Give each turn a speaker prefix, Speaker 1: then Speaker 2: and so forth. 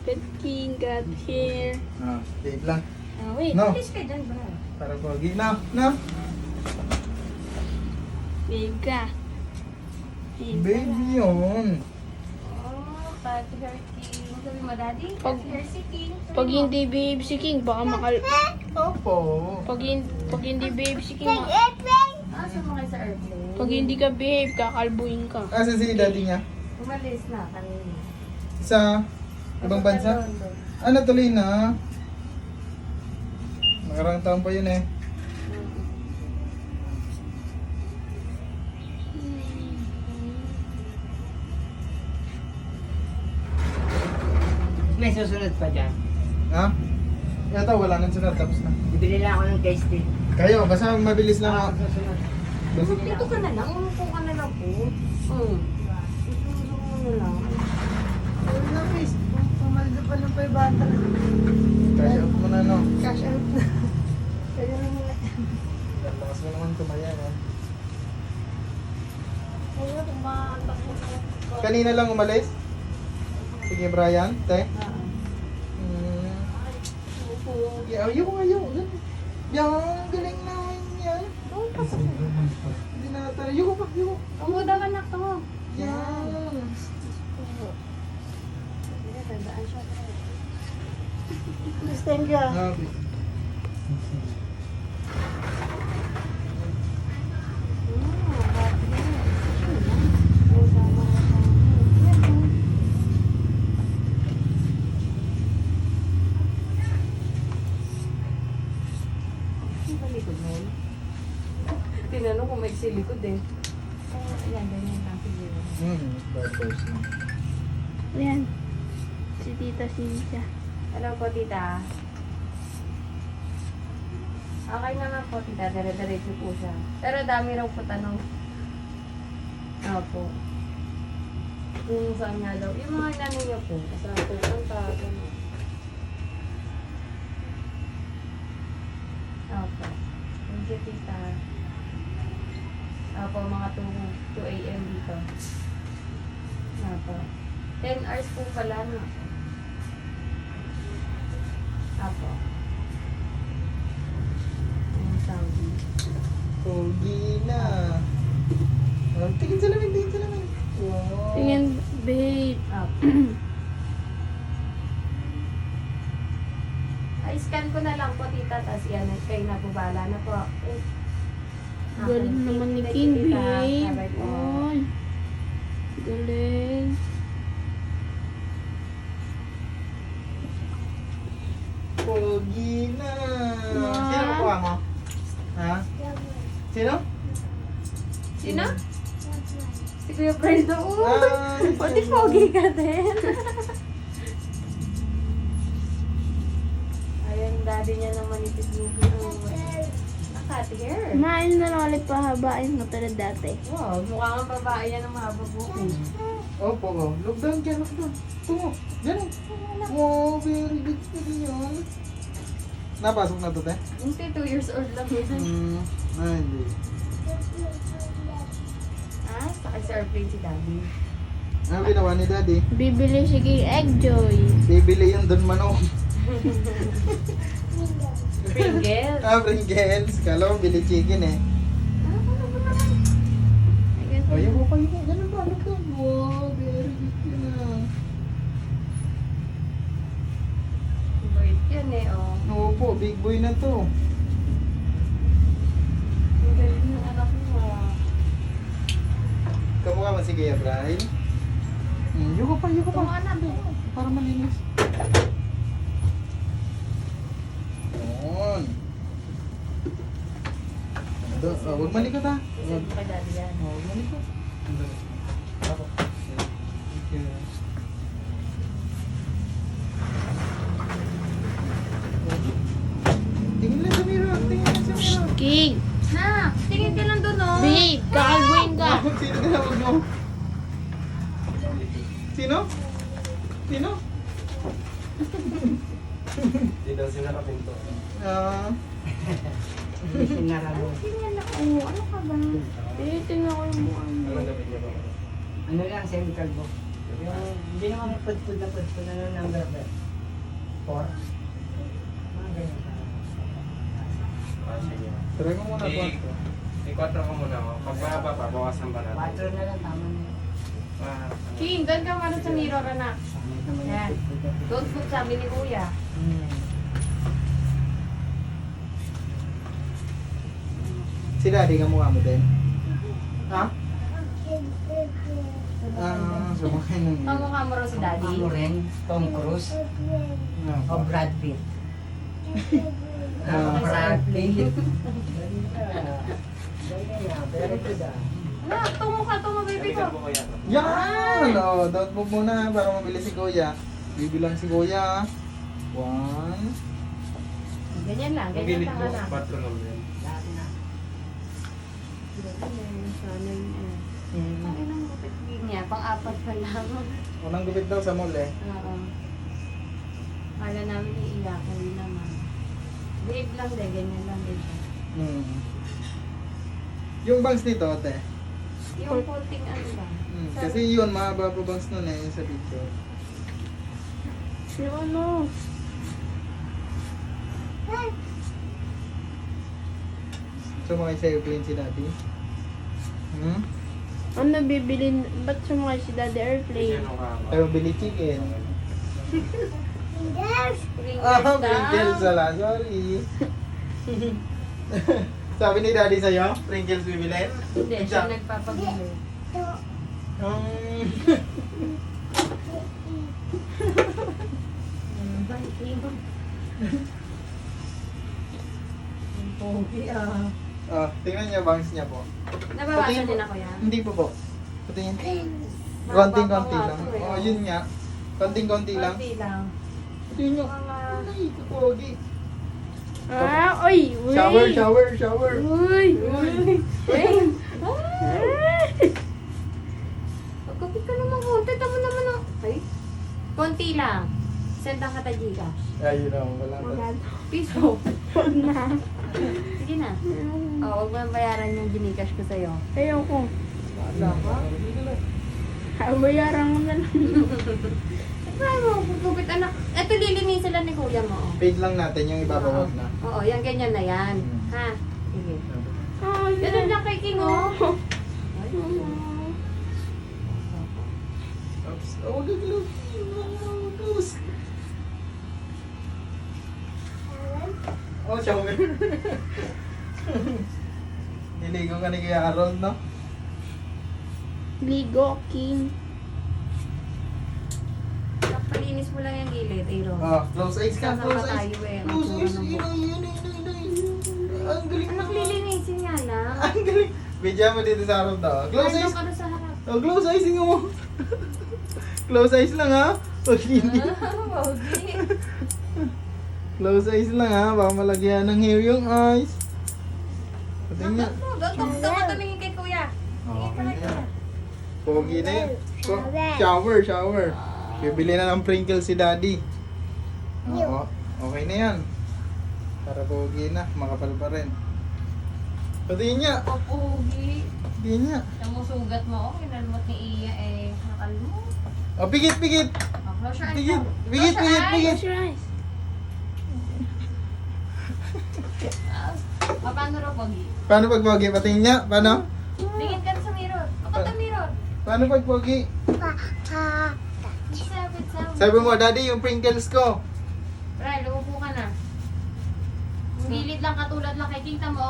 Speaker 1: Good king, got here.
Speaker 2: Wait lang.
Speaker 1: Wait,
Speaker 2: No.
Speaker 1: please ka dyan, bro.
Speaker 2: Para pogi. No.
Speaker 1: Babe ka.
Speaker 2: Baby yun.
Speaker 1: Oh, cat hair king. Sabi mo, daddy, cat hair si king.
Speaker 3: Pag hindi babe si King, baka
Speaker 2: Opo.
Speaker 3: pag hindi babe si King,
Speaker 1: Ah, sumakay sa airplane.
Speaker 3: pag hindi ka babe, kakalbuin ka.
Speaker 2: Asan si daddy niya?
Speaker 1: Umalis na kanina.
Speaker 2: Sa ibang bansa? Tuloy na. Nakarang taon pa yun eh.
Speaker 4: May susunod pa dyan.
Speaker 2: Ha? Ito, wala nang sunod. Tapos na.
Speaker 4: Bibili lang ako ng case tea.
Speaker 2: Kayo, basta mabilis lang ako.
Speaker 4: Susunod.
Speaker 2: Basta
Speaker 1: Dito ka na lang, umupo ka na lang po. Ito mo na lang.
Speaker 4: Ayun na, please. Pumalda pa ng 500.
Speaker 2: Cash out mo na, no?
Speaker 4: Cash out na. Kaya na muna.
Speaker 2: Lakas mo naman tumaya, no?
Speaker 1: Kaya kumaantak mo.
Speaker 2: Kanina lang umalis? Sige, Brian. Te. Ayaw. Yan, galing naman yan. Hindi na natin. Ayoko pa.
Speaker 1: Umuda ka anak to.
Speaker 2: Yan.
Speaker 1: Tandaan siya.
Speaker 4: Understand ka?
Speaker 2: Okay.
Speaker 1: Tinanong kung may silikod eh. Ayan, ganyan lang siguro.
Speaker 2: Bad boys na.
Speaker 3: Ayan. Si Tita Cynthia.
Speaker 1: Hello po, tita. Okay naman po, tita. Dire-diretso po siya. Pero dami raw po tanong. Opo. Kung saan nga daw. Yung mga inano niya po. Saan po punta. Ganun. Opo. Thank you, tita. Opo, mga 2 a.m. dito. Opo. 10 hours po pala, no? Opo. Ang Saudi.
Speaker 2: Pogi na. Tingin sa lamin. Wow.
Speaker 3: Tingin, babe.
Speaker 1: Opo. Ay, scan ko na lang po, tita. Tapos yan, kayo na po, bahala na po.
Speaker 3: Galing naman ni King, babe.
Speaker 1: Sabay po.
Speaker 3: Ay. Galing.
Speaker 2: Pogi na.
Speaker 3: Wow.
Speaker 2: Sino kukuha mo? Ha? Sino?
Speaker 1: Sino? Si Kuya Brendo.
Speaker 2: Ah,
Speaker 1: O, di pogi ka din. Ayan, daddy niya naman manipis yung cut hair.
Speaker 3: Kumain na lang ulit pahabain mo tulad dati.
Speaker 1: Wow, mukha kang babae yan ng mahaba bukin.
Speaker 2: Opo, oh. Look down dyan, look down. Tungo. Ganun. Wow, very good na rin yun. Napasok na to, te?
Speaker 1: Hindi, 2 years old lang yun.
Speaker 2: Hindi.
Speaker 1: Ah, sakay sa airplane si daddy.
Speaker 2: Ano ginawa ni daddy?
Speaker 3: Bibili si King Eggjoy.
Speaker 2: Bibili yung Don Manong.
Speaker 1: Pringles.
Speaker 2: Pringles. Kala ko bili chicken eh. Oh, yung ko. Ganun ba? Look down. Wow, very good yun ah.
Speaker 1: Bait yan eh, oh.
Speaker 2: Opo, big boy na to.
Speaker 1: Ang galing ng anak mo, ah.
Speaker 2: Kamukha mo si Kuya Brian. Yuko pa.
Speaker 1: Tunga na, be.
Speaker 2: Para malinis. Yun. Huwag malikot ha.
Speaker 1: Kasi mo kay daddy yan.
Speaker 2: Huwag malikot. Ako. Thank you. Tingin lang sa mirror.
Speaker 3: King.
Speaker 1: Na, tingin ka lang doon, oh.
Speaker 3: Babe, kakalbuin ka.
Speaker 2: Sino tinawag mo? Sino?
Speaker 5: Hindi daw sila kapinto.
Speaker 4: Sinara mo.
Speaker 1: Tingnan ako. Ano ka ba?
Speaker 3: Tingnan ko yung mukha mo.
Speaker 5: Anong gabi niya ba?
Speaker 4: Ano lang, semi-calvo. Yung, hindi naman pudpud na ano number ba? 4? Mga ganyan.
Speaker 5: Ah, sige.
Speaker 2: Try mo muna
Speaker 5: I- 4 ko muna. Pag mahaba pa, bawasan ba natin?
Speaker 4: 4 na lang, tama na yun.
Speaker 5: Ah, ano?
Speaker 1: King, doon ka muna sa mirror, anak.
Speaker 4: Pangit naman
Speaker 1: Yan.
Speaker 4: yung pudpud na.
Speaker 1: Don't put sabi ni kuya.
Speaker 2: Si daddy ka mukha mo din.
Speaker 4: Ha?
Speaker 2: Sumakay ng
Speaker 1: Kamukha mo raw si daddy.
Speaker 4: Ano rin? Tom Cruise? O Brad Pitt? Brad Pitt. Very good ah.
Speaker 1: Anak, tumukha to mo, baby ko.
Speaker 5: Balikan po kuya.
Speaker 2: Yan! Oh, don't move muna para mabilis si kuya. Bibilang si kuya. 1.
Speaker 1: Ganyan lang,
Speaker 5: Ang
Speaker 1: ganyan
Speaker 5: gilid
Speaker 1: lang,
Speaker 5: mo,
Speaker 1: anak.
Speaker 5: 4 lang yan.
Speaker 4: Lahat na.
Speaker 1: Sana yun eh. Ay, nang gupit niya, pang-apat pa lang.
Speaker 2: Unang gupit daw sa mall eh.
Speaker 1: Oo. Kala namin iiyak, hindi naman. Babe lang din, ganyan lang din siya.
Speaker 2: Yung bangs nito, ate.
Speaker 1: Yung konting ano lang.
Speaker 2: Kasi yun, mahaba pa bangs nun eh, sa picture.
Speaker 3: Yung ano?
Speaker 2: Sumakay sa airplane si daddy.
Speaker 3: Ano bibili? Ba't sumakay si Daddy Airplane?
Speaker 5: Yan ang kahaba.
Speaker 2: Ayaw bili chicken.
Speaker 1: Pringles
Speaker 2: Pringles
Speaker 1: daw.
Speaker 2: wala, sorry. Sabi ni daddy sa'yo, Pringles bibili?
Speaker 1: Hindi, siya nagpapabili. Ang pogi ah.
Speaker 2: Oh, tingnan niyo bangs niya po.
Speaker 1: Nabawasan din ako yan.
Speaker 2: Hindi po po. Patingin.
Speaker 1: Mahaba
Speaker 2: Konting-konti
Speaker 1: pa nga
Speaker 2: lang.
Speaker 1: to eh.
Speaker 2: Oh, yun nga. Konting-konti lang.
Speaker 1: Konti lang.
Speaker 2: Tingnan niyo.
Speaker 1: Mga...
Speaker 2: Ay, pogi.
Speaker 3: Ah, oy! Uy!
Speaker 2: Shower.
Speaker 3: Uy! Uy!
Speaker 1: Wait! Pagkapit ka naman konti, tamo naman ang... Ay? Konti lang. Send ang kata Gcash.
Speaker 2: Ayun na, wala pa.
Speaker 3: Maganda.
Speaker 1: Piso.
Speaker 3: Huwag na.
Speaker 1: Sige na. Oh, huwag mo bayaran yung Gcash ko sa'yo.
Speaker 3: Ayoko.
Speaker 1: Wala ka?
Speaker 3: Bayaran mo na lang.
Speaker 1: Try mo, pagkupit anak. Eto lilinisin sila ni kuya mo. Oh.
Speaker 2: Paid lang natin yung ibabawag na.
Speaker 1: Oo, yan ganyan na yan. Ha? Sige.
Speaker 3: Ay,
Speaker 1: Ganun lang kay King, oh. Ay,
Speaker 2: Oops. Oh, wag yung close. Oh, shower. Niligo ka ni Kuya Harold, no?
Speaker 3: Ligo, King.
Speaker 1: palinis mo lang yung gilid, Aaron.
Speaker 2: Oh, close eyes ka,
Speaker 1: Kasama
Speaker 2: close
Speaker 1: pa
Speaker 2: eyes.
Speaker 1: tayo eh. Ang
Speaker 2: Close eyes.
Speaker 1: tura ng buhok.
Speaker 2: Ang galing
Speaker 1: Anak, lilinisin nga lang.
Speaker 2: Ang galing. Bidya mo dito sa harap daw. Close eyes.
Speaker 1: Ano ka na sa harap?
Speaker 2: Oh, close eyes nga mo. Close eyes lang ha. Pag hindi.
Speaker 1: Pogi.
Speaker 2: Close eyes lang ha. Baka malagyan ng hair yung eyes. Pati nga.
Speaker 1: Doon ka tumingin kay kuya.
Speaker 2: Okay na yan. Pogi na yan. Shower. Bibili na ng Pringles si daddy. Oo. Okay na yan. Para pogi na. Makapal pa rin. Pati niya.
Speaker 1: O, pogi.
Speaker 2: Pati niya.
Speaker 1: Namusugat mo, oh. Kinalmot ni Iya, eh. Nakalmo.
Speaker 2: Oh, pigit.
Speaker 1: Oh, close your eyes.
Speaker 2: Pigit.
Speaker 1: now.
Speaker 2: Pigit.
Speaker 1: Close your eyes.
Speaker 3: Close your eyes.
Speaker 1: Paano raw, pogi?
Speaker 2: Paano pag pogi? Pati niya. Paano?
Speaker 1: Tingin ka sa mirror. Ako sa mirror.
Speaker 2: Paano pag pogi?
Speaker 1: Sabi.
Speaker 2: Sabi mo, daddy, yung Pringles ko.
Speaker 1: Ray, lumupo ka na. Gilid lang, katulad lang kay King Tamo.